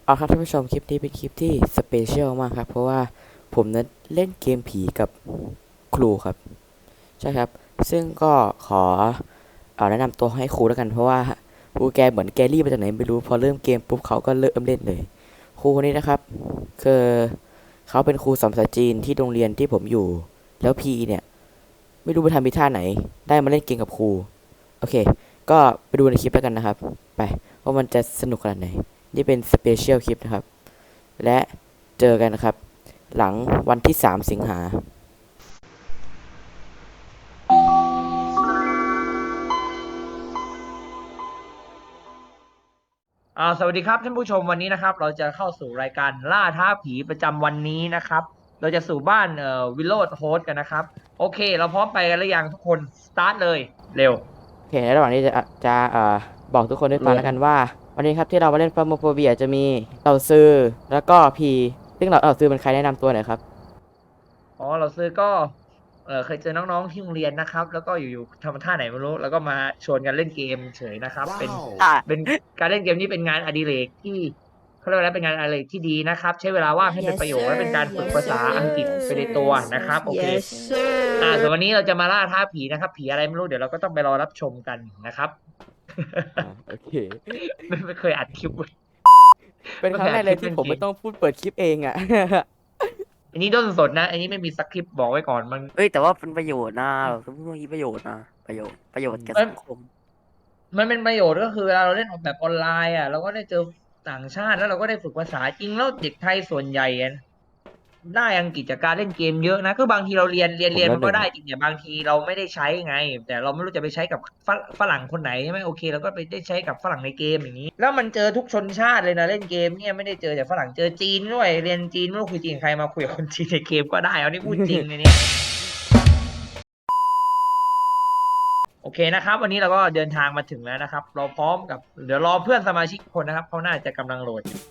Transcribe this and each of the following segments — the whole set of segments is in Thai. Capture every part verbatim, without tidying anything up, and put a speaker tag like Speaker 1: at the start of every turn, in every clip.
Speaker 1: เอาครับท่านผู้ชมคลิปนี้เป็นคลิปที่สเปเชียลมากครับเพราะว่าผมนั้นเล่นเกมผีกับครูครับใช่ครับซึ่งก็ขอเอาแนะนำตัวให้ครูแล้วกันเพราะว่าครูแกเหมือนแกรี่มาจากไหนไม่รู้พอเริ่มเกมปุ๊บเขาก็เริ่มเล่นเลยครูคนนี้นะครับคือเขาเป็นครูสอนภาษาจีนที่โรงเรียนที่ผมอยู่แล้วพีเนี่ยไม่รู้ไปทำพิท่าไหนได้มาเล่นเกมกับครูโอเคก็ไปดูในคลิปแล้วกันนะครับไปว่ามันจะสนุกขนาดไหนนี่เป็นสเปเชียลคลิปนะครับและเจอกันนะครับหลังวันที่สามสิงหา
Speaker 2: อ่าสวัสดีครับท่านผู้ชมวันนี้นะครับเราจะเข้าสู่รายการล่าท้าผีประจำวันนี้นะครับเราจะสู่บ้านเอ่อวิลโลดโฮสกันนะครับโอเคเราพร้อมไปกันหรือยังทุกคนสตาร์ทเลยเร็ว
Speaker 1: โอเคในระหว่างนี้จะจะเอ่อบอกทุกคนได้ฟังแล้วกันว่าวันนี้ครับที่เรามาเล่นฟาร์โมโฟเบียจะมีเต่าซือแล้วก็พีซึ่งเราเต่าซือเป็นใครแนะนำตัวหน่อยครับ
Speaker 2: อ๋อเราซื้อก็เออเคยเจอน้องๆที่โรงเรียนนะครับแล้วก็อยู่ๆทำท่าไหนไม่รู้แล้วก็มาชวนกันเล่นเกมเฉยนะครับเป็น
Speaker 3: อ่า
Speaker 2: เป็นการเล่นเกมนี้เป็นงานอดิเรกที่เขาเรียกว่าอะไรเป็นงานอดิเรกที่ดีนะครับใช้เวลาว่างให้เป็น
Speaker 3: yes
Speaker 2: ประโยชน์และ
Speaker 3: sir
Speaker 2: เป็นการฝึก
Speaker 3: yes
Speaker 2: ภาษา
Speaker 3: sir
Speaker 2: อังกฤษไปในตัวนะครับโอเค
Speaker 3: yes
Speaker 2: อ่า
Speaker 3: sir
Speaker 2: ส่วนวันนี้เราจะมาล่าท้าผีนะครับผีอะไรไม่รู้เดี๋ยวเราก็ต้องไปรอรับชมกันนะครับ
Speaker 1: อ่าโอเค
Speaker 2: ไม่ไม่เคยอัดคลิปเว้ย
Speaker 1: เป็น
Speaker 2: ไม่เคยอัดคลิ
Speaker 1: ครั้งแรกเลยที่ผมไม่
Speaker 2: ปเล่นเกม
Speaker 1: ต้องพูดเปิดคลิปเองอ่ะ
Speaker 2: อันนี้ด้นสดนะอันนี้ไม่มีสคริปต์บอกไว้ก่อนมัน
Speaker 3: เอ้ยแต่ว่าเป็นประโยชน์นะแบบพูดเมื่อกี้ประโยชน์นะประโยชน์ประโยชน์แก่
Speaker 2: มัน
Speaker 3: สังคม
Speaker 2: มันเป็นประโยชน์ก็คือเวลาเราเล่นออกแบบออนไลน์อ่ะเราก็ได้เจอต่างชาติแล้วเราก็ได้ฝึกภาษาจริงแล้วเด็กไทยส่วนใหญ่อะได้อังกฤษจากการเล่นเกมเยอะนะคือบางทีเราเรียนเรียน
Speaker 1: ผม
Speaker 2: เรียน
Speaker 1: แล้วหนึ่งอ่ะ
Speaker 2: มันก็ได้จริงแต่บางทีเราไม่ได้ใช้ไงแต่เราไม่รู้จะไปใช้กับฝรฝรั่งคนไหนใช่ไหมโอเคเราก็ไปได้ใช้กับฝรั่งในเกมอย่างนี้แล้วมันเจอทุกชนชาติเลยนะเล่นเกมเนี่ยไม่ได้เจอแต่ฝรั่งเจอจีนด้วยเรียนจีนไม่รู้คุยจีนกับใครมาคุยกับคนจีนในเกมก็ได้เอานี่พูดจริงเลยเนี่ยโอเคนะครับวันนี้เราก็เดินทางมาถึงแล้วนะครับเราพร้อมกับเดี๋ยวรอเพื่อนสมาชิกคนนะครับเขาน่าจะกำลังโหลดอยู่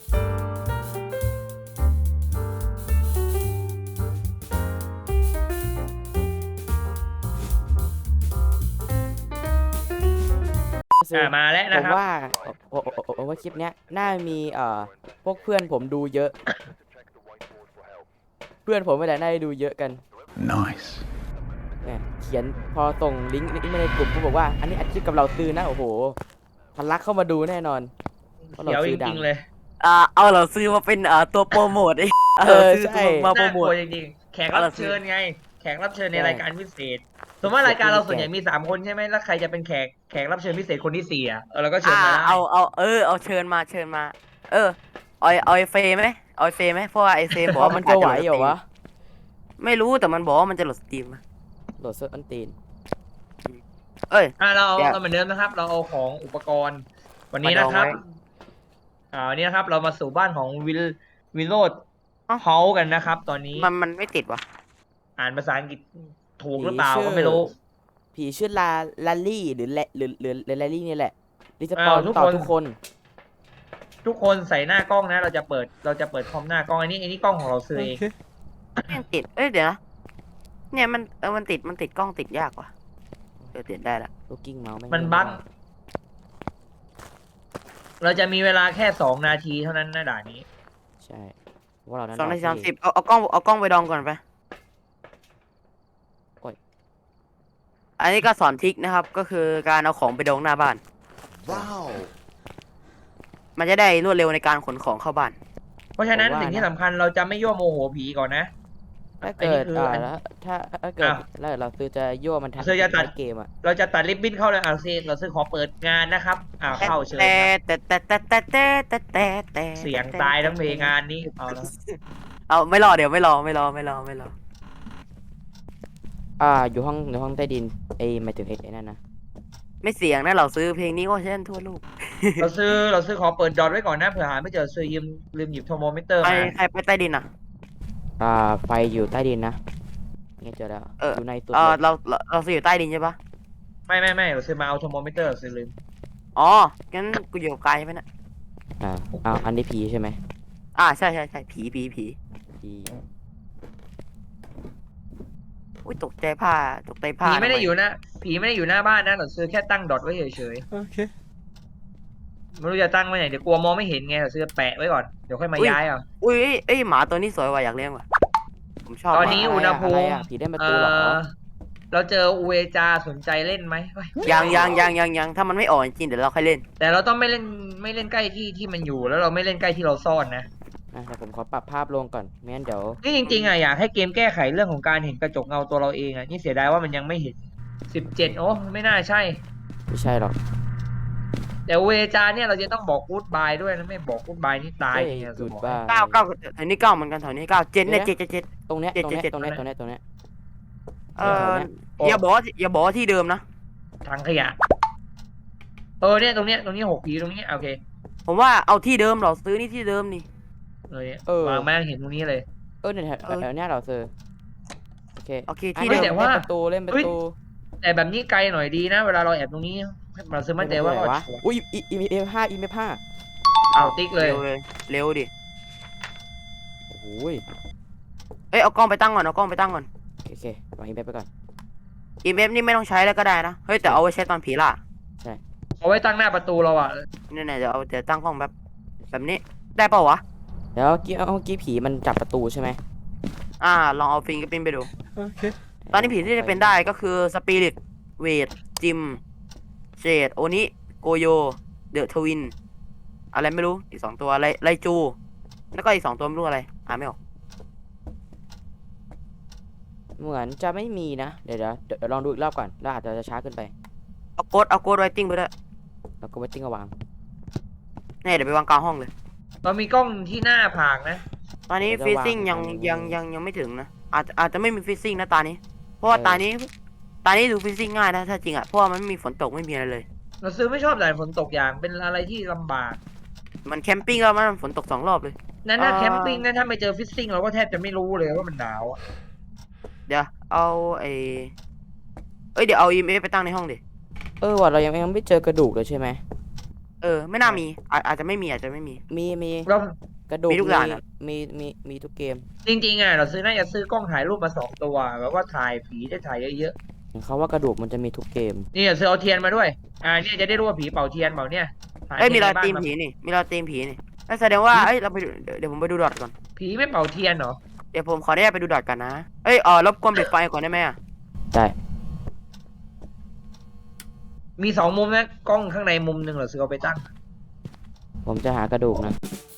Speaker 1: คือ
Speaker 2: อ่ามาแล้ว
Speaker 1: ผ
Speaker 2: นะครับ
Speaker 1: มว่าโอ้โอ้โอ้ว่าคลิปเนี้ยน่ามีเอ่อพวกเพื่อนผมดูเยอะเพื่อนผมไม่ได้น่าจะดูเยอะกัน
Speaker 4: Nice.
Speaker 1: เนี่ยเขียนพอส่งลิงก์นี้มาในกลุ่มก็บอกว่าอันนี้อัดคลิปกับเราซื้อนะโอ้โหทะลักเข้ามาดูแน่นอนเพราะเรา
Speaker 2: เขียวจ
Speaker 1: ซื้อดัง
Speaker 2: ริงๆเลย
Speaker 3: อ่าเอาเราซื้อมาเป็นอ่าตัวโปรโมทไอ้
Speaker 1: เอ
Speaker 3: เรา
Speaker 1: อ
Speaker 3: ซื้อ
Speaker 1: ใช่
Speaker 3: มาโปร
Speaker 2: น่า
Speaker 3: โม
Speaker 2: กลั
Speaker 3: ท
Speaker 2: วจริงๆแขกรับเชิญไงแขกรับเชิญใน
Speaker 1: ใช่
Speaker 2: รายการพิเศษสมมติว่ารายการเราส่วนใหญ่
Speaker 1: แขก
Speaker 2: มีสามคนใช่ไหมแล้วใครจะเป็นแขกแขกรับเชิญพิเศษคนที่สี่อ่ะเออเราก็เชิ
Speaker 3: อ่า
Speaker 2: ญมาได้
Speaker 3: เอาเอาเออเอาเชิญมาเชิญมาเออเอาเอาไอเฟย์ไหมเอาไอเฟย์ไหมเพราะว่าไอเฟย์บอก
Speaker 1: เอา
Speaker 3: ว่า
Speaker 1: มั
Speaker 3: มัน น
Speaker 1: จะ
Speaker 3: อาจ
Speaker 1: ไหว
Speaker 3: จะโหลด
Speaker 1: เหร
Speaker 3: ส
Speaker 1: อ
Speaker 3: ตรีม
Speaker 1: วะ
Speaker 3: ไม่รู้แต่มันบอกว่ามันจะโหลดสตรีมนะ
Speaker 1: โหลดเซิร์ฟอันตีน
Speaker 3: เอ้ย
Speaker 2: อ่าเราเอา
Speaker 3: เดี๋ยว
Speaker 2: เราเหมือนเดิมนะครับ เราเอาของอุปกรณ์ วันนี้
Speaker 3: มาดอง
Speaker 2: นะครับ
Speaker 3: ไว้
Speaker 2: อ่าวันนี้นะครับ เรามาสู่บ้านของวิลวิลโลด
Speaker 3: เอ้า
Speaker 2: เฮากันนะครับ ตอนนี้
Speaker 3: มันมันไม่ติดวะ
Speaker 2: อ่านภาษาอังกฤษถูกห
Speaker 1: ผี
Speaker 2: รือเปล่า
Speaker 1: ชื่อ
Speaker 2: ก็ไม่รู้
Speaker 1: ผีชื่อลาลาลี่หรือแลหรือหรือหรือลาลี่นี่แหละรีสป
Speaker 2: อ้า
Speaker 1: อ
Speaker 2: วน ทุก
Speaker 1: ต่อ
Speaker 2: คน
Speaker 1: ทุกคน
Speaker 2: ทุกคนใส่หน้ากล้องนะ เราจะเปิดเราจะเปิดคอมหน้ากล้องอันนี้อันนี้กล้องของเราซื้อเอง
Speaker 3: ยังติดเอ้ยเดี๋ยวนะเนี่ยมันเออมันติดมันติดกล้องติดยากว่ะเออติดได้ละ
Speaker 1: ลูกกิ้งเมาส์แม่ง
Speaker 2: มัน
Speaker 1: เล่
Speaker 2: บั๊ก
Speaker 1: ไได้
Speaker 2: เราจะมีเวลาแค่สองนาทีเท่านั้นนะด่านนี้
Speaker 1: ใช่เพราะว่าเรานั้น
Speaker 3: สองนาที
Speaker 1: ร
Speaker 3: สาม
Speaker 1: พี่
Speaker 3: สิบเอาเอากล้องเอากล้องไปดองก่อนไป
Speaker 1: โอ้ย
Speaker 3: อันนี้ก็สอนทริคนะครับ ก็คือการเอาของไปดองหน้าบ้าน
Speaker 4: Wow.
Speaker 3: มันจะได้รวดเร็วในการขนของเข้าบ้าน
Speaker 2: เพราะฉะนั้น
Speaker 1: ผมว่า
Speaker 2: สิ่งที่
Speaker 1: นะ
Speaker 2: สำคัญเราจะไม่ยั่วโมโหผีก่อนนะ
Speaker 1: ถ้า
Speaker 2: อัน
Speaker 1: เกิ
Speaker 2: นี้
Speaker 1: ด
Speaker 2: คือ
Speaker 1: อ่า
Speaker 2: อัน
Speaker 1: แล้วถ้าถ้าเกิด
Speaker 2: อ้าว
Speaker 1: แล้วเราซื้อจะยั่วมันทัน
Speaker 2: ซื้อจะตัด
Speaker 1: ท้ายเกมอ่ะ
Speaker 2: เราจะตัดริบบิ้นเข้าเลยอ่ะสิเราซื้อขอเปิดงานนะครับอ่าเข้าเชิญ
Speaker 3: แต่
Speaker 2: ครับ
Speaker 3: แต่แต่แต่แต่แต่แต่แต่แต่
Speaker 2: เสียงตายทั้งเพลงงานนี้เอาแล้ว
Speaker 3: เอาไม่รอเดี๋ยวไม่รอไม่รอไม่รอไม่รอ
Speaker 1: อ่าอยู่ห้องอยู่ห้องใต้ดินไอ้หมายถึงไอ้ไอ้นั่นนะ
Speaker 3: ไม่เสียงนะเราซื้อเพลงนี้ก็เช่นทั่วโลก
Speaker 2: เราซื้อเราซื้อขอเปิดดอทไว้ก่อนนะเผื่อหาไม่เจอซื้อยืมลืมหยิบโทรโมมิเตอร์
Speaker 3: ใคร
Speaker 2: มา
Speaker 3: ใครไปใต้ดินอ่ะ
Speaker 1: อ่าไฟอยู่ใต้ดินนะนี่เจอแล้ว
Speaker 3: เออ
Speaker 1: อยู่ในสุด
Speaker 3: เออ
Speaker 1: เลย
Speaker 3: เราเราเราซื้ออยู่ใต้ดินใช่ปะ
Speaker 2: ไม่ไม่ไม่เราซื้อมาเอาโทรโมมิเตอร์ซื้อลืม
Speaker 3: อ๋องั้นกูอยู่กับกายใช่ไหมนะ
Speaker 1: อ่าเอาอันนี้ผีใช่ไหม
Speaker 3: อ่าใช่ใช่ใช่ผีผีผี
Speaker 1: ผี
Speaker 3: อุ้ยตกใจผ้าตกใจผ้า
Speaker 2: ผีไม่ได้
Speaker 3: ทำ
Speaker 2: อยู่นะผีไม่ได้อยู่หน้าบ้านนะเราซื้อแค่ตั้งดอทไว้เฉย
Speaker 1: โอเค
Speaker 2: ไม่รู้จะตั้งไว้ไหนเดี๋ยวกลัวมองไม่เห็นไงเราซื้อแปะไว้ก่อนเดี๋ยวค่อยมาย้ายเอา
Speaker 3: อุ้ยเอ้ยเอ้ยหมาตัวนี้สวยว่ะอยากเลี้ยงว่ะผมชอบ
Speaker 2: ตอน
Speaker 3: หมา
Speaker 2: นี้
Speaker 1: ะไร
Speaker 2: อุณหภูมิ
Speaker 1: อะไรอะผีเล่นประ
Speaker 2: เอ
Speaker 1: ตูเหรอ
Speaker 2: อเราเจออูเอจาสนใจเล่นไหมเฮ้ย
Speaker 3: ยังยังยังยังยังถ้ามันไม่ออกจริงๆเดี๋ยวเราค่อยเล่น
Speaker 2: แต่เราต้องไม่เล่นไม่เล่นใกล้ที่ที่มันอยู่แล้วเราไม่เล่นใกล้ที่เราซ่อนนะ
Speaker 1: อ่ะเดี๋ยวผมขอปรับภาพลงก่อนไม่งั้นเดี๋ยว
Speaker 2: นี่จริงๆอ่ะอยากให้เกมแก้ไขเรื่องของการเห็นกระจกเงาตัวเราเองอ่ะนี่เสียดายว่ามันยังไม่เห็นสิบเจ็ดโอ้ไม่น่าใช่
Speaker 1: ไม่ใช่หรอก
Speaker 2: แต่เวจาเนี่ยเราจะต้องบอกกู๊ดบายด้วยนะไม่บอกกู๊ดบายนี่ตาย
Speaker 1: เฮ้ย
Speaker 2: เนี่ย
Speaker 1: กูด
Speaker 2: บอก
Speaker 1: บ้า
Speaker 3: เก้าเก้าแถวนี้เก้าเหมือนกันแถวนี้เก้าเจ็ดเนี่ย
Speaker 1: เดี๋
Speaker 3: เจ็
Speaker 1: ย
Speaker 3: ด
Speaker 1: วนะ
Speaker 3: เจ็ดเจ็ด
Speaker 1: ตรงเนี้ย
Speaker 3: เจ็ด
Speaker 1: ตรงเนี้ย
Speaker 3: เจ็ด
Speaker 1: ตรงเนี้ยตรงเนี้ยตรงเนี้ย
Speaker 3: เออ
Speaker 2: โอ้
Speaker 3: อย่าบอกว่าอย่าบอกว่าที่เดิมนะ
Speaker 2: ถังขยะเออเนี่ยตรงเนี้ยตรงนี้หกผีตรงนี้โอเค
Speaker 3: ผมว่าเอาที่เดิมเราซื้อนี่ที่เดิมนี่
Speaker 2: เลย วางแม่งเห็นตรงนี้เลย
Speaker 1: เออเนี่ยแถว
Speaker 3: เออ
Speaker 1: แถวเนี้ยเราเซอร์โอเค
Speaker 3: โอเค
Speaker 1: อ่ะ
Speaker 3: ที่
Speaker 2: ฮ้
Speaker 3: เดิ
Speaker 2: ย
Speaker 3: ม
Speaker 2: แต่ว่า
Speaker 1: เล่นประตูเล่นประตู
Speaker 2: แต่แบบนี้ไกลหน่อยดีนะ เวลาเราแอบตรงนี้เราซื้อมั่นใจว่า
Speaker 1: เล่นประตูไหนวะ
Speaker 2: ชัวร์
Speaker 1: อุ้ยอีอีเอฟห้าอีเอฟห้า
Speaker 2: เอาติ๊กเลย
Speaker 3: เร็วเลยเร็วดิ
Speaker 1: โอ้โหย
Speaker 3: เอ้ยเอากล้องไปตั้งก่อนเอากล้องไปตั้งก่อน
Speaker 1: โอเควางอีเอฟไปก่อน
Speaker 3: อีเอฟนี่ไม่ต้องใช้แล้วก็ได้นะเฮ้ยแต่เอาไว้ใช้ตอนผีล่ะ
Speaker 2: เอาไว้ตั้งหน้าประตูเราอ่ะ
Speaker 3: เนี่ยเนี่ยเดี๋ยวเอาเดี๋ยวตั้งกล้องแบบแบบนี้ได้เปล่าวะ
Speaker 1: เดี๋ยวเมื่อกี้เมื่อกี้ผีมันจับประตูใช่ไหม
Speaker 3: อ่าลองเอาฟิงเกอร์พิ้นไปดู
Speaker 1: โอเค
Speaker 3: ตอนนี้ผีที่จะเป็นได้ก็คือสปิริตเวทจิมเจดโอนิโกโยเดอะทวินอะไรไม่รู้อีกสองตัวไลไลจูแล้วก็อีกสองตัวไม่รู้อะไรอ่านไม่ออก
Speaker 1: เหมือนจะไม่มีนะเดี๋ยวเดี๋ยวเดี๋ยวลองดูอีกรอบก่อนแล้วอาจจะช้าเกินไป
Speaker 3: เอาโกดเอาโกดไรติ้งไปด้วย
Speaker 1: แล้วก็ไว้ติ้งเอาวาง
Speaker 3: เนี่ยเดี๋ยวไปวางกลางห้องเลย
Speaker 2: เรามีกล้องที่หน้าผากนะ
Speaker 3: ตอนนี้
Speaker 1: เดี๋ยวจะ
Speaker 3: ฟิซซิ่ง
Speaker 1: วาง
Speaker 3: ยัง
Speaker 1: ตรงนี้
Speaker 3: ยังยังยังไม่ถึงนะอาจจะอาจจะไม่มีฟิซซิ่งนะตานี้ เพราะว่า
Speaker 1: เออ
Speaker 3: ตานี้ตานี้ดูฟิซซิ่งง่ายนะถ้าจริงอ่ะเพราะว่ามันไม่มีฝนตกไม่มีอะไรเลย
Speaker 2: เราซื้อไม่ชอบแต่ฝนตกอย่างเป็นอะไรที่ลำบาก
Speaker 3: มันแคมปิ้งแล้วมันฝนตกสองรอบเลย
Speaker 2: นั่นถ้า
Speaker 3: อ่า
Speaker 2: แคมปิ้งนั่นถ้าไม่เจอฟิซซิ่งเราก็แทบจะไม่รู้เลยว่ามันหนาวอะ
Speaker 3: เดี๋ยวเอาไอเอ้ยเดี๋ยวเอาอีเมลไปตั้งในห้องดิ
Speaker 1: เออว่ะเรายังยังไม่เจอกระดูกเลยใช่ไหม
Speaker 3: เออไม่น่ามีอาอาจจะไม่มีอาจจะไม่มี
Speaker 1: มีมี
Speaker 2: เรา
Speaker 1: กระดูก
Speaker 3: มีทุกอย่างอะ
Speaker 1: มีมีมีทุกเกม
Speaker 2: จริงๆอ่ะเราซื้อน่าจะซื้อกล้องถ่ายรูปมาสองตัวแบบว่าถ่ายผีได้ถ่ายเยอะ
Speaker 1: เห็นเขาว่ากระดูกมันจะมีทุกเกม
Speaker 2: ๆนี่ซื้อเอาเทียนมาด้วยอ่าเนี่ยจะได้รู้ว่าผีเป่าเทียนเปล่าเนี่ยถ่
Speaker 3: เอ้ยมีรอย
Speaker 2: ทีน
Speaker 3: ตี
Speaker 2: ใน
Speaker 3: ม
Speaker 2: บ้าน
Speaker 3: ผีนี่มีรอยตีมผีนี่นั่นแสดงว่าเอ้ยเราไปดูเดี๋ยวเดี๋ยวผมไปดูดอทก่อน
Speaker 2: ผีไม่เป่าเทียนเหรอ
Speaker 3: เดี๋ยวผมขออนุญาตไปดูดอทกันนะเอ้ยเออรบกวนปิดไฟก่อนได้ไหมอ่ะ
Speaker 1: ได้
Speaker 2: มีสองมุมนะกล้องข้างในมุมหนึ่งเหรอซื้อเอาไปตั้ง
Speaker 1: ผมจะหากระดูกนะ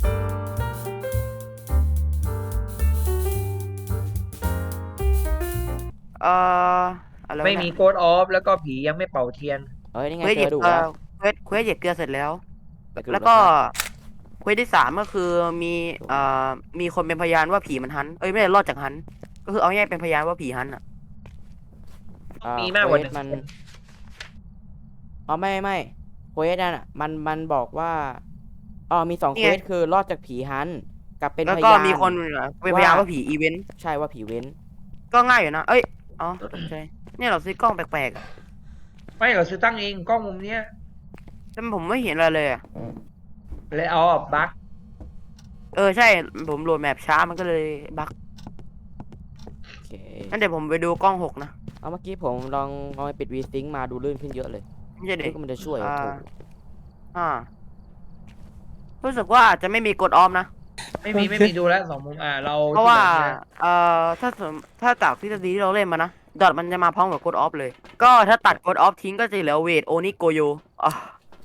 Speaker 3: เอออะไรวะ
Speaker 2: ไม่
Speaker 3: เนี่ย
Speaker 2: มีโกดออฟแล้วก็ผียังไม่เป่าเทียน
Speaker 1: เอ้ยนี่ไง
Speaker 3: เควส
Speaker 1: เจ
Speaker 3: เหยี
Speaker 1: อย ก
Speaker 3: บ
Speaker 1: ระดูก
Speaker 3: เอ
Speaker 1: แล้
Speaker 3: อ
Speaker 1: ว
Speaker 3: เควสเควสเหยียบเกลือเสร็จแล้ว
Speaker 1: เจอกระดู
Speaker 3: แล้วก็
Speaker 1: ครับ
Speaker 3: เควสที่สามก็คือมีเอ่อมีคนเป็นพยานว่าผีมันหันเอ้ยไม่ได้รอดจากหัน ก็คือเอาง่ายๆเป็นพยานว่าผีหันอ่ะ
Speaker 1: อ่
Speaker 2: มีมากกว่าหนึ่ง
Speaker 1: เควสมัน
Speaker 2: คน
Speaker 1: อ๋อไม่ไม่เควสนั่นอ่ะมันมันบอกว่าอ๋อมีสองเควสคือรอดจากผีฮันต์กับเป็น
Speaker 3: แล้ว
Speaker 1: พ
Speaker 3: ก็
Speaker 1: ยาน
Speaker 3: มีคนเป็นพยาน
Speaker 1: ว่า
Speaker 3: ว่าผีอีเวนต์
Speaker 1: ใช่ว่าผีเว้น
Speaker 3: ก็ง่ายอยู่นะเอ้ยอ๋อใช่เนี่ยเราซื้อกล้องแปลกๆอะ
Speaker 2: ไม่เราซื้อตั้งเองกล้องมุมเนี้ย
Speaker 3: แต่ผมไม่เห็นอะไรเลยอะ
Speaker 2: เลยเอาบั๊ก
Speaker 3: เออใช่ผมโหลดแมปช้ามันก็เลยบั๊ก
Speaker 1: โอเค
Speaker 3: งั้นเดี๋ยวผมไปดูกล้องหกนะ
Speaker 1: เอาเมื่อกี้ผมลองลองไปปิดวีซิงมาดูลื่นขึ้นเยอะเลย
Speaker 3: ไม่ใช่เด็
Speaker 1: นึ
Speaker 3: ก
Speaker 1: กว่ามันจะช่วย
Speaker 3: อ่า
Speaker 1: ถูก
Speaker 3: อ่ารู้สึกว่าอาจจะไม่มีกดออมนะ
Speaker 2: ไม่มีไม่มีดูแล้วสองมุมอ่าเรา
Speaker 3: เพราะว่า
Speaker 2: ที่แบบเนี้ย
Speaker 3: เอ่อถ้าสมถ้าจากทฤษฎีที่เราเล่นมานะดอทมันจะมาพร้อมกับกดออฟเลย ก็ถ้าตัดกดออฟทิ้งก็จะเหลือเวทโอนิโกโยอ่ะ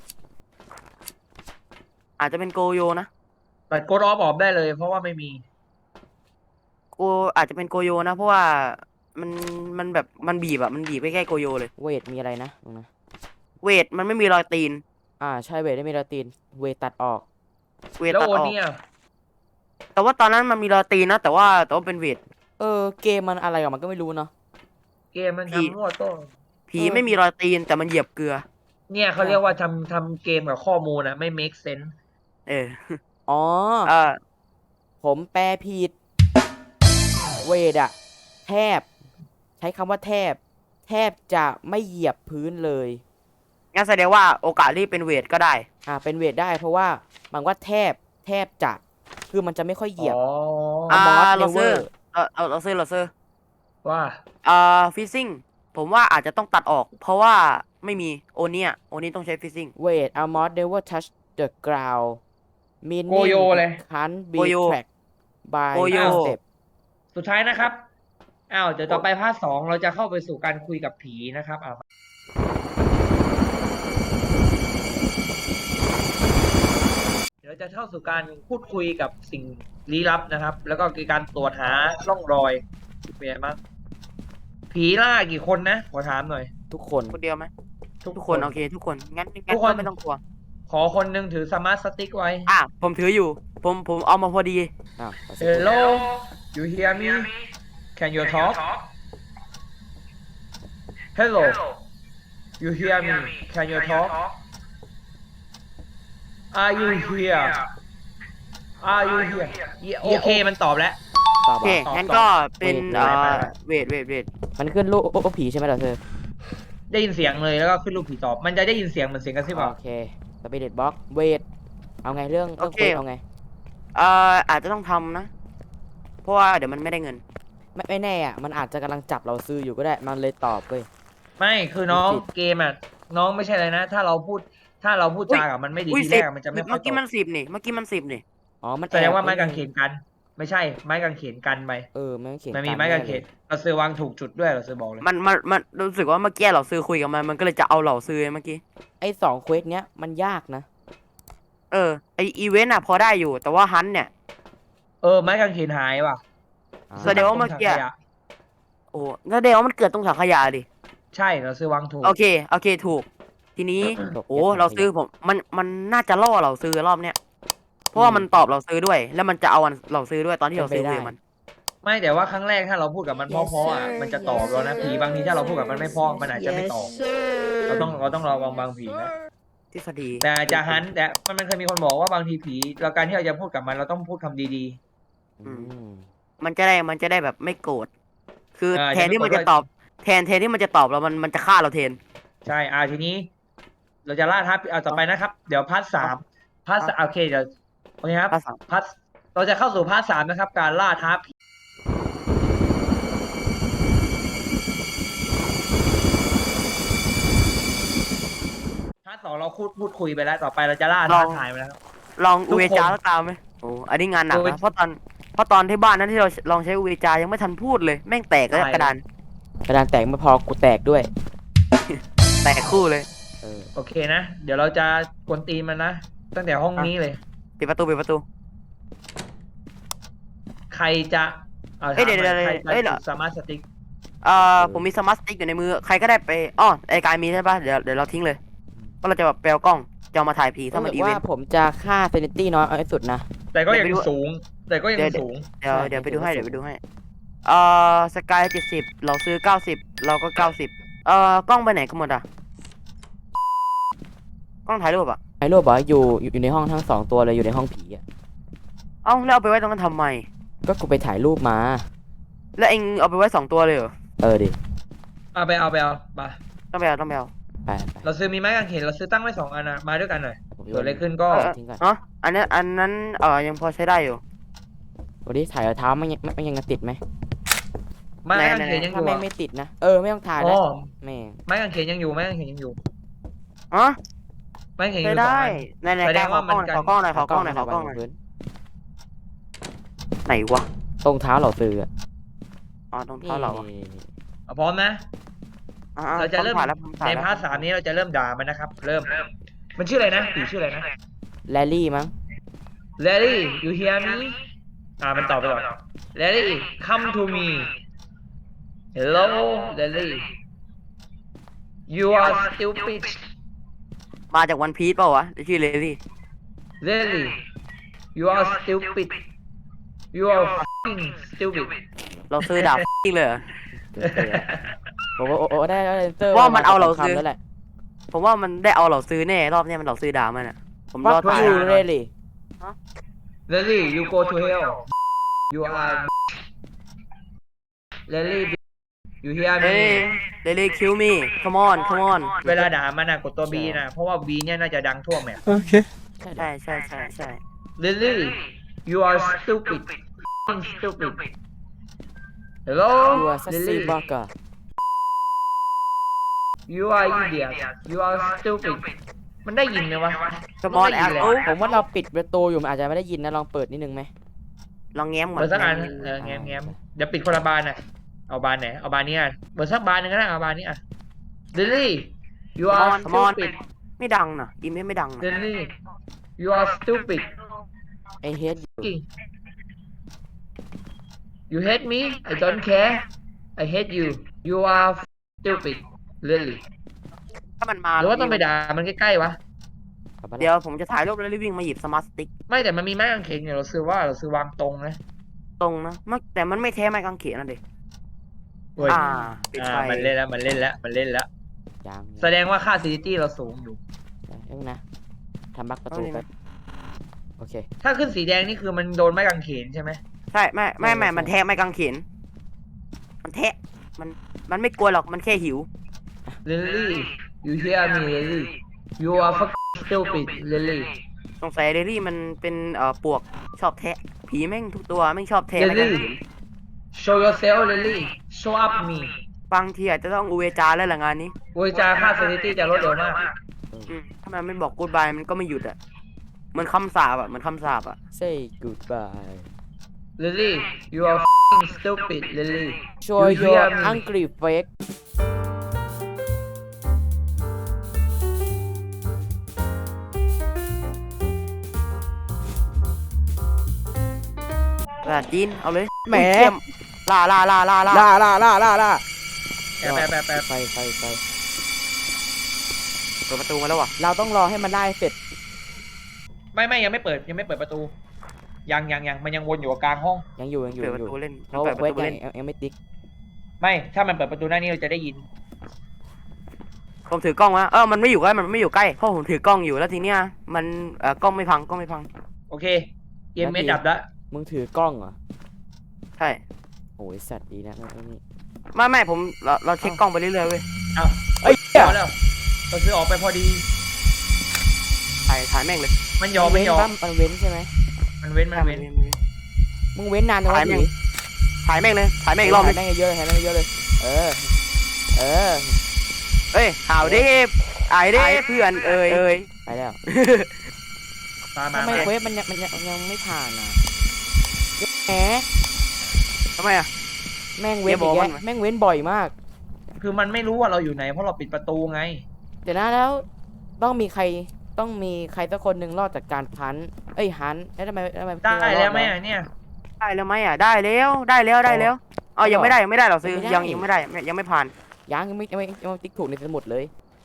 Speaker 3: อาจจะเป็นโกโยนะ
Speaker 2: ตัดโกดออฟออกได้เลย เพราะว่าไม่มี
Speaker 3: โกอาจจะเป็นโกโยนะ เพราะว่ามันมันแบบมันบีบอะมันบีบไปใกล้โกโยเลย
Speaker 1: เวทมีอะไรนะตรงนะ
Speaker 3: เวทมันไม่มีรอยตีน
Speaker 1: อ่าใช่เวทได้มีลาตินเวทตัดออก
Speaker 3: เวท
Speaker 2: แล้ว
Speaker 3: ตัด
Speaker 2: โอ
Speaker 3: ออก
Speaker 2: เนี่ย
Speaker 3: แต่ว่าตอนนั้นมันมีรอยตีนนะ แต่ว่าแต่ว่าเป็นเวท
Speaker 1: เออเกมมันอะไรกับมันก็ไม่รู้เนาะ
Speaker 2: เกมมัน
Speaker 3: พี่
Speaker 2: ทำมั่วโต้
Speaker 3: ผี
Speaker 1: เออ
Speaker 3: ไม่มีรอยตีนแต่มันเหยียบเกลือ
Speaker 2: เนี่ยเขาเรียกว่าทำทำเกมกับข้อมูลนะไม่ make sense
Speaker 3: เออ
Speaker 1: อ๋อ
Speaker 3: เออ
Speaker 1: ผมแปลผิด เวทอะแทบ ใช้คำว่าแทบ แทบจะไม่เหยียบพื้นเลย
Speaker 3: งั้นแสดงว่าโอกาสที่เป็นเวทก็ได้
Speaker 1: อ่าเป็นเวทได้เพราะว่ามันว่าแทบแทบจะคือมันจะไม่ค่อยเหยียบ
Speaker 2: อ๋อ
Speaker 3: อ่า
Speaker 1: มอส
Speaker 3: เรา
Speaker 1: เนเว
Speaker 3: ซื้
Speaker 1: อ
Speaker 3: อ
Speaker 1: ร์
Speaker 3: เออเอาเราซื้อเราซื้อ
Speaker 2: ว่า
Speaker 3: อ่าฟิซซิ่งผมว่าอาจจะต้องตัดออก เพราะว่าไม่มีโอเนียโอนี้ต้องใช้ฟิซซิ่ง
Speaker 1: เวทอามอสเนเวอร์ทัช the ground
Speaker 2: โก
Speaker 1: meaning
Speaker 2: โยเลย
Speaker 1: can't be
Speaker 3: โกโย
Speaker 1: tracked by
Speaker 3: โกโย
Speaker 1: step
Speaker 2: สุดท้ายนะครับอ้าวเดี๋ยวต่อไปภาคสองเราจะเข้าไปสู่การคุยกับผีนะครับอ้าวเดี๋ยวจะเข้าสู่การพูดคุยกับสิ่งลี้ลับนะครับ แล้วก็คือการตรวจหาร่องรอยเป็นไงบ้างผีล่ากี่คนนะขอถามหน่อย
Speaker 1: ทุกคน
Speaker 3: คนเดียวไหม
Speaker 2: ทุก
Speaker 3: ทุก
Speaker 2: ค
Speaker 3: คน นโอเค ทุกคนงั้น
Speaker 2: ทุ
Speaker 3: งั้น
Speaker 2: กคน
Speaker 3: ก็ไม่ต้องกลัว
Speaker 2: ขอคนหนึ่งถือสมาร์ทสติ๊กไว้
Speaker 3: อ่ะผมถืออยู่ ผมผมเอามาพอดี
Speaker 1: อ้าวขอสิ
Speaker 2: Hello you hear me can you talk Hello you hear me can you talk Are you here Are you here โอเคมันตอบแล้ว
Speaker 1: ตอบ
Speaker 3: โอเค
Speaker 1: ว่า
Speaker 3: งั้นก็เป็น
Speaker 1: เวท
Speaker 3: เอ่อ
Speaker 2: เวท
Speaker 3: เวทเวทเวท
Speaker 1: มันขึ้นรูปรูปผีใช่ไหมล่ะเธอ
Speaker 2: ได้ยินเสียงเลยแล้วก็ขึ้นรูปผีตอบ มันจะได้ยินเสียงเหมือนเสียงกระซิบอ่ะ
Speaker 1: โอเคสปิริตบ็อกเวทเอาไงเรื่องเรื่องคุยเอาไง
Speaker 3: เอ่ออาจจะต้องทำนะ เพราะว่าเดี๋ยวมันไม่ได้เงิน
Speaker 1: ไม่ไม่แน่อ่ะมันอาจจะกำลังจับเราซื้ออยู่ก็ได้มันเลยตอบเว้ย
Speaker 2: ไม่คือน้อง
Speaker 1: ผิด
Speaker 2: เกมอ่ะน้องไม่ใช่อะไรนะ ถ้าเราพูดถ้าเราพูดจากับมันไม่ดี
Speaker 3: อุ้ย
Speaker 2: ที
Speaker 3: สิ
Speaker 2: แร
Speaker 3: บ
Speaker 2: กมันจะไม่ค่อ
Speaker 3: เมื่
Speaker 2: ย
Speaker 3: อ
Speaker 2: ต
Speaker 3: กี้
Speaker 2: อ
Speaker 3: มั
Speaker 2: บ
Speaker 3: นสิบนี่ เมื่อกี้มันสิบนี่
Speaker 1: อ๋อมัน
Speaker 2: แสดงว่า
Speaker 1: อบ
Speaker 2: ไม้กางเขนกัน ไม่ใช่ไม้กางเขนกันไป
Speaker 1: เออไม้กางเขน
Speaker 2: มันมี
Speaker 1: กั
Speaker 2: ไม้กางเข
Speaker 1: แน่
Speaker 2: น
Speaker 1: ลย
Speaker 2: เราซื้อวางถูกจุดด้วยเราซื้อบอกเลย
Speaker 3: มันมันมันรู้สึกว่าเมื่อกี้เราซื้อคุยกับมัน มันก็เลยจะเอาเราซื้อเมื่อกี้
Speaker 1: ไอ้สองเควสเนี้ยมันยากนะ
Speaker 3: เออ ไออีเวนต์อ่ะพอได้อยู่ แต่ว่าฮันเนี่ย
Speaker 2: เออไม้กางเขนหายว่ะ
Speaker 1: อ่า
Speaker 3: แสดงว่าเมื่อกี้
Speaker 2: ตรงถังขยะ
Speaker 3: โอ้แล้วเดี๋ยวมันเกิดตรงถังขยะดิ
Speaker 2: ใช่เราซื้อวางถูก
Speaker 3: โอเค โอเค ถูก ทีนี้
Speaker 1: ตก
Speaker 3: โอ้
Speaker 1: ก็บ
Speaker 3: เราซื้อผม มัน มันน่าจะล่อเราซื้อรอบเนี้ย เพราะว่ามันตอบเราซื้อด้วย แล้วมันจะเอาอันเราซื้อด้วยตอนที่เราซื้อคุยกับมัน
Speaker 2: ไม่แต่ว่าครั้งแรกถ้าเราพูดกับมันเพราะๆอ่ะมันจะตอบเรานะผีบางทีถ้าเราพูดกับมันไม่เพราะมันอาจจะไม่ตอบเราต้องเราต้องระวังบางผีนะ
Speaker 3: ทฤษฎี
Speaker 2: แต่อาจจะฮันแต่มันมันเคยมีคนบอกว่าบางทีผีเราการที่เราจะพูดกับมันเราต้องพูดคำดี
Speaker 1: อืม
Speaker 3: มันจะได้ มันจะได้แบบไม่โกรธ คือ
Speaker 2: เออ
Speaker 3: แทนที่มัน
Speaker 2: จะ
Speaker 3: จะ
Speaker 2: ไม่โกรธ
Speaker 3: ตอบ แทน แทนที่มันจะตอบเรา มัน มันจะฆ่าเราแทน
Speaker 2: ๆ ใช่อ่าทีนี้ เราจะล่าท้าผีเอาต่อไปนะครับ เดี๋ยวพาร์ทสามพาร์ทสามโอเคเดี๋ยวโอเคครับ
Speaker 3: พาร์ทสาม
Speaker 2: พาร์ทเราจะเข้าสู่พาร์ทสามนะครับ การล่าท้าผีพาร์ทสองเราพูดพูดคุยไปแล้วต่อไปเราจะล่าท้าทายไปแล้วครับ
Speaker 3: ลอง
Speaker 2: ทุ
Speaker 3: อู
Speaker 2: กคน
Speaker 3: เวจาแล้วตามไหมโอ้อันนี้งานหนัก
Speaker 2: อูเว
Speaker 3: นะ เพราะตอน เพราะตอนที่บ้านนั้นที่เราลองใช้อูเวจายังไม่ทันพูดเลย แม่งแตกแล้ว
Speaker 2: ใช่
Speaker 3: กระดาน
Speaker 1: กระดานแตกไม่พอกูแตกด้วย
Speaker 3: แตกคู่เลย
Speaker 1: เออ
Speaker 2: โอเคนะ เดี๋ยวเราจะกวนตีนมันนะ ตั้งแต่ห้องนี้เลย
Speaker 3: ปิดประตูปิดประตู
Speaker 2: ใครจะเอา
Speaker 3: เอ้ยเดี๋ยว
Speaker 2: ถามหน่อ
Speaker 3: เดี๋ยว
Speaker 2: ใคร
Speaker 3: เอ้ย
Speaker 2: จะ
Speaker 3: เดี๋ยว
Speaker 2: จุดสมาร์ทสติ๊ก
Speaker 3: เอ่อผมมีสมาร์ทสติ๊กอยู่ในมือ ใครก็ได้ไปอ้อไอกายมีใช่ปะเดี๋ยวเดี๋ยวเราทิ้งเลยเพราะเราจะแบบแปลกล้องจะเอามาถ่ายผีถ้ามัน
Speaker 1: รู้
Speaker 3: อี
Speaker 1: สึก
Speaker 3: เว
Speaker 1: ว่าน
Speaker 3: ต์
Speaker 1: ผมจะฆ่าเซนิตี้น้อยเอาให้สุดนะ
Speaker 2: แต่ก็ยัง
Speaker 3: เดี๋ยวไปดู
Speaker 2: สูง แต่ก็ยัง
Speaker 3: เดี๋ยว
Speaker 2: สูง
Speaker 3: เดี๋ยว
Speaker 1: ใช่
Speaker 3: เดี๋ยวไปดูให้
Speaker 1: เดี๋
Speaker 3: เดี๋
Speaker 1: ย
Speaker 3: ยว ว
Speaker 1: ไป
Speaker 3: ไป
Speaker 1: ดู
Speaker 3: ดูให้เอ่อสกายเจ็ดสิบเราซื้อเก้าสิบเราก็เก้าสิบเอ่อกล้องไปไหนกันหมดอ่ะกล้องถ่ายรูปอ่ะ
Speaker 1: ไอ้โรบบอกว่าอยู่อยู่อยู่ในห้องทั้งสองตัวเลยอยู่ในห้องผีอ่ะ
Speaker 3: เอ้าแล้วเอาไปไว้ตรงนั้นทำไม
Speaker 1: ก็กูไปถ่ายรูปมา
Speaker 3: แล้วเองเอาไปไว้สองตัวเลยเหรอ
Speaker 1: เออดิ
Speaker 2: เอาไปเอาไปเอามา
Speaker 3: ต้องไปเอาต้องไปเอา
Speaker 1: ไปไป
Speaker 2: เราซื้อมีไม้กางเขนเราซื้อตั้งไว้สองอันนะมาด้วยกันหน่อย
Speaker 1: ผมโย
Speaker 2: เกิดอะไรขึ้นก็
Speaker 3: เออ
Speaker 1: ทิ้งก่อน
Speaker 3: เนาะอันนี้อันนั้นเอ่อยังพอใช้ได้อยู่
Speaker 1: วันนี้ถ่ายรองเท้ามันยังมันยังติดไหม
Speaker 2: ไม้
Speaker 3: ไหน
Speaker 2: กางเขนยังอ
Speaker 1: ถ้า
Speaker 2: ยู่
Speaker 1: แม่ง
Speaker 2: อะ
Speaker 1: ไม่ติดนะเออไม่ต้องถ่าย
Speaker 2: อ๋
Speaker 1: นะ
Speaker 2: อ
Speaker 1: แม่ง
Speaker 2: ไม้กางเขนยังอยู่ไม้กางเขนยังอยู่
Speaker 3: อ๋อ
Speaker 2: ไม้กางเขนอ
Speaker 3: ใช้
Speaker 2: ยู่สอง
Speaker 3: ได้
Speaker 2: อัน
Speaker 3: ในใน
Speaker 2: แสด
Speaker 3: กาง รข
Speaker 2: ว่า
Speaker 3: อ
Speaker 2: มั
Speaker 3: กล้อง
Speaker 2: น
Speaker 3: หน่อย
Speaker 2: กัน
Speaker 3: ขอกล้องหน่อยขอกล้องหน่อยขอกล้องหน่อย
Speaker 1: พื้น
Speaker 3: ไหนวะ
Speaker 1: ตรงเท้าเราซื้ออะ
Speaker 3: อ๋อตรงเท้าเราอะ
Speaker 1: นี่
Speaker 2: เอาพร้อมนะ
Speaker 3: อ่
Speaker 2: เราจะเริ่ม
Speaker 3: ถ่ายแล้วผมถ่าย
Speaker 2: ใน
Speaker 3: แล้ว
Speaker 2: พาร์ทสามนี้เราจะเริ่มด่ามันนะครับ เริ่ม มันชื่ออะไรนะผีชื่ออะไรนะ
Speaker 1: แลลี่มั้ง
Speaker 2: Larry you hear me อ่ามันตอบไปก่อน Larry come to me Hello Larry you are stupid
Speaker 3: มาจากวันพีซเปล่าวะชื่อเลลี่
Speaker 2: Larry you are stupid you are fucking stupid
Speaker 3: เราซื้อดาบ จริงเลยเหรอ
Speaker 1: บอกว่าโอ้โอ้ได้ได้เตอร์
Speaker 3: ว่ามันเอาเราซื้อ
Speaker 1: คำแล้วแหละ
Speaker 3: ผมว่ามันได้เอาเราซื้อแน่รอบเนี้ยมันเราซื้อดาบมันอ่ะผมรอ
Speaker 1: Fuck
Speaker 3: ถ่าย
Speaker 1: you really
Speaker 2: Larry you go to hell you are Larry you hear
Speaker 3: เอ้
Speaker 2: me
Speaker 3: ยเลลี่คิวมี่ come on come on
Speaker 2: เวลาด่ามันนะกดตัว B นะ เพราะว่า B เนี่ยน่าจะดังทั่วแมป
Speaker 1: ใช่
Speaker 3: ใช่ใช่ใช่ใช่
Speaker 2: Lily you are stupid Fucking stupid Hello
Speaker 1: ยูอาซัสซี่
Speaker 2: Lily
Speaker 1: บักอะ
Speaker 2: you are idiot you are stupid มันได้ยินไหมวะ
Speaker 3: สมอลแอป
Speaker 2: ไม่ได้ยินเลย
Speaker 3: โอ้
Speaker 1: ผมว่าเราปิดประตูอยู่มันอาจจะไม่ได้ยินนะลองเปิดนิดนึงไหม
Speaker 3: ลองแง้มก่อน
Speaker 2: เปิดสักอันเออแง้มแง้มเดี๋ยวปิดคนละบานน่ะเอาบานไหนเอาบานนี้อ่ะเปิดสักบานหนึงก็ได้เอาบานนี้อ่ะ Lily you
Speaker 3: สม
Speaker 2: are
Speaker 3: อลสมอล
Speaker 2: stupid
Speaker 3: ไม่ดังนะอีเมลไม่ดังนะ
Speaker 2: Lily you are stupid
Speaker 1: ไอเฮดอยู่
Speaker 2: you hate me I don't care I hate you you are stupid Lily
Speaker 3: ถ้ามันมา
Speaker 2: หรือว่าต้องไปด่ามันใกล้ๆวะ
Speaker 1: กลับมา
Speaker 3: เดี๋
Speaker 1: แล้
Speaker 3: ยว วผมจะถ่ายรูปแล้วรีบวิ่งมาหยิบสมาร์ทสติ๊ก
Speaker 2: ไม่แต่มันมีไม้กางเขนอยู่เราซื้อว่าเราซื้อวางตรงนะ
Speaker 3: ตรงนะมันแต่มันไม่แท้ไม้กางเขนนะเด็ก
Speaker 2: เว้ย
Speaker 3: อ่าปิด
Speaker 2: อ่า
Speaker 3: ไฟ
Speaker 2: มันเล่นแล้วมันเล่นแล้วมันเล่นแล้ว
Speaker 1: ยัง
Speaker 2: แสดงว่าค่าซิตี้เราสูงอยู่
Speaker 1: เอ้ยนะทำบักประตูไปโอเค
Speaker 2: ถ้าขึ้นสีแดงนี่คือมันโดนไม้กางเขนใช่ไหม
Speaker 3: ใช่ไม่ไม่ไม่
Speaker 1: ใช่
Speaker 3: มันแท้ไม้กางเขนมันแท้มันมันไม่กลัวหรอกมันแค่หิว
Speaker 2: Lily you hear me Lily you are fucking stupid Lily
Speaker 3: สงสัยเดลี่มันเป็นเอ่อปวกชอบแทะผีแม่งทุกตัวแม่งชอบแทะไม้กางเขน
Speaker 2: Lily show yourself Lily show up me
Speaker 3: บางทีอาจจะต้องอูเวจาแล้วแหละงานนี้
Speaker 2: โวยจาค่าซิตี้จะลดเร็วมาก
Speaker 3: อืมถ้ามันไม่บอกกูดบายมันก็ไม่หยุดอ่ะเหมือนคำสาปอ่ะเหมือนคำสาปอ่ะ
Speaker 1: say goodbye
Speaker 2: Lily you are fucking stupid Lily
Speaker 1: show
Speaker 2: You
Speaker 1: your
Speaker 2: hear me?
Speaker 1: angry face
Speaker 3: กระดาษจีนเอาเลย
Speaker 1: แหม
Speaker 3: อุ้ยเยี่ยล่าล่าล่าล่าล่า
Speaker 1: ล่าล่าล่าล่าล่า
Speaker 2: แป๊บแป๊บแป๊บแป๊บ
Speaker 1: ไฟไฟไฟ
Speaker 3: เปิดประตูมาแล้วว่ะ
Speaker 1: เราต้องรอให้มันได้เสร็จ
Speaker 2: ไม่ไม่ยังไม่เปิดยังไม่เปิดประตู ยังยังยังมันยังวนอยู่กับกลางห้อง
Speaker 1: ยังอยู่ยังอยู่
Speaker 3: เปิด
Speaker 1: ยัง
Speaker 3: ป
Speaker 1: อยู่
Speaker 3: ระตูเล่น
Speaker 1: เพราะ
Speaker 3: เปิดป
Speaker 1: เว
Speaker 3: ระ
Speaker 1: ท
Speaker 3: ตู
Speaker 1: ยัง
Speaker 3: เล่น
Speaker 1: ยังยังไม่ติ๊ก
Speaker 2: ไม่ถ้ามันเปิดประตูหน้านี้เราจะได้ยิน
Speaker 3: ผมถือกล้องวะเออมันไม่อยู่ใกล้มันไม่อยู่ใกล้เพราะผมถือกล้องอยู่แล้วทีเนี้ยมันเอ่อกล้องไม่พังกล้องไม่พัง
Speaker 2: โอเคเกมเมดับแล้ว
Speaker 1: มึงถือกล้องเหรอ
Speaker 3: ใช่
Speaker 1: โอ้ยสัตว์ดีนะไอ้นี่
Speaker 3: ไม่ไม่ผมเราเราเช็คกล้องไปเรื่อยๆเว้ย
Speaker 2: เอา
Speaker 1: เอ้ย
Speaker 2: พอแล้วเราซื้อออกไปพอดี
Speaker 3: ถ่ายถ่ายแม่งเลย
Speaker 2: มันยอม
Speaker 1: เว้
Speaker 2: ไม่
Speaker 1: น
Speaker 2: ยอม
Speaker 1: บ้างมันเว้นใช่ไหม
Speaker 2: มันเว้นมันเว้น
Speaker 1: มึงเว้นนานจังวะ
Speaker 3: ถ่ายแม่ง
Speaker 1: ผี
Speaker 3: ถ่ายแม่งเลยถ่ายแม่งอีกรอบนึง
Speaker 1: ถ่ายแม่งเยอะเลยถ่ายแม่งเยอะเลย เออ เออ
Speaker 3: เอ้ยข่าวดิไอ้ดิเพื่อนเอ้ยเอ้ย
Speaker 1: ไปแล้ว
Speaker 2: มามา
Speaker 1: ทำไม
Speaker 2: มา
Speaker 1: เควสมันยังมันยังยังไม่ผ่านอ่ะแหม
Speaker 3: ทำไมอ่ะ
Speaker 1: แม่งเว้น
Speaker 3: อย่าบอก
Speaker 1: อีก
Speaker 3: มั
Speaker 1: แล้
Speaker 3: น
Speaker 1: วแม่งเว้นบ่อยมาก
Speaker 2: คือมันไม่รู้ว่าเราอยู่ไหนเพราะเราปิดประตูไง
Speaker 1: เดี๋ยวนะแล้วต้องมีใครต้องมีใครสักคนหนึ่งรอดจากการพันเอ้ยหันแล้วทำไมทำไม
Speaker 2: ได้แล้วไหม
Speaker 1: รอ
Speaker 2: อ่ะเนี่ย
Speaker 3: ได้แล้วไหมอ่ะได้แล้วได้แล้วได้แล้วอ๋อยังไม่ได้ยังไม่ได้หรอซื้อ
Speaker 1: ไม่ได้
Speaker 3: ยังยังไม่ได้ยังไม่ผ่าน
Speaker 1: ยังยังไม่ยังไม่ยังไม่ติ๊กถูกในสมุดเลย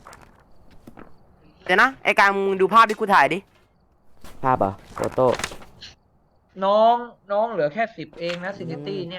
Speaker 3: เดี๋ยวนะไอการมึงดูภาพที่กูถ่ายดิ
Speaker 1: ภาพเหรอ่ะโฟโต้
Speaker 2: น้องน้องเหลือแค่สิบเองนะซิตี้เนี่ย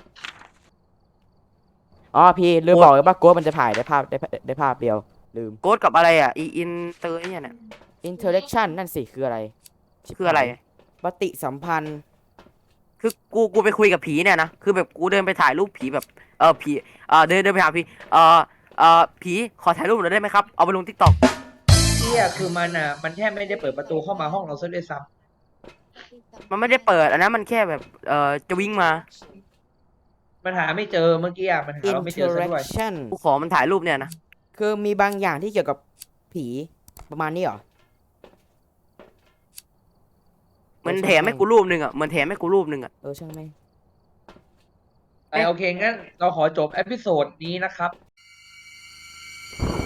Speaker 1: อ๋อพี่ลืมบอกเลยว่าโกดมันจะถ่ายได้ภาพได้ได้ภาพเดียวลืม
Speaker 3: โกดกับอะไรอ่ะอีอินเตอร์เนี่ยเนี่ย
Speaker 1: interaction นั่นสิคืออะไร
Speaker 3: คืออะไร
Speaker 1: ปฏิสัมพันธ์
Speaker 3: คือกูกูไปคุยกับผีเนี่ยนะคือแบบกูเดินไปถ่ายรูปผีแบบเออผีเออเดินเดินไปหาผีเออเออผีขอถ่ายรูปหน่อยได้ไหมครับเอาไปลงทิกตอก
Speaker 2: เที่ยคือมันอ่ะมันแทบไม่ได้เปิดประตูเข้ามาห้องเราซะด้วยซ้
Speaker 3: มันไม่ได้เปิดอันนั้นมันแค่แบบเออจะวิ่งมา
Speaker 2: ำมันหาไม่เจอเมื่อกี้อ่ะมันหาเราไม่เจอซะด้วย
Speaker 1: interaction
Speaker 3: กูขอมันถ่ายรูปเนี่ยนะ
Speaker 1: คือมีบางอย่างที่เกี่ยวกับผีประมาณนี้เหรอ
Speaker 3: เหมันแถมให้กูรูปหนึ่งอ่ะเหมือนแถมให้กูรูปหนึ่งอ่ะ
Speaker 1: เออช่างแม่ง
Speaker 2: ไอโอเคงั้นเราขอจบเอพิโซดนี้นะครับ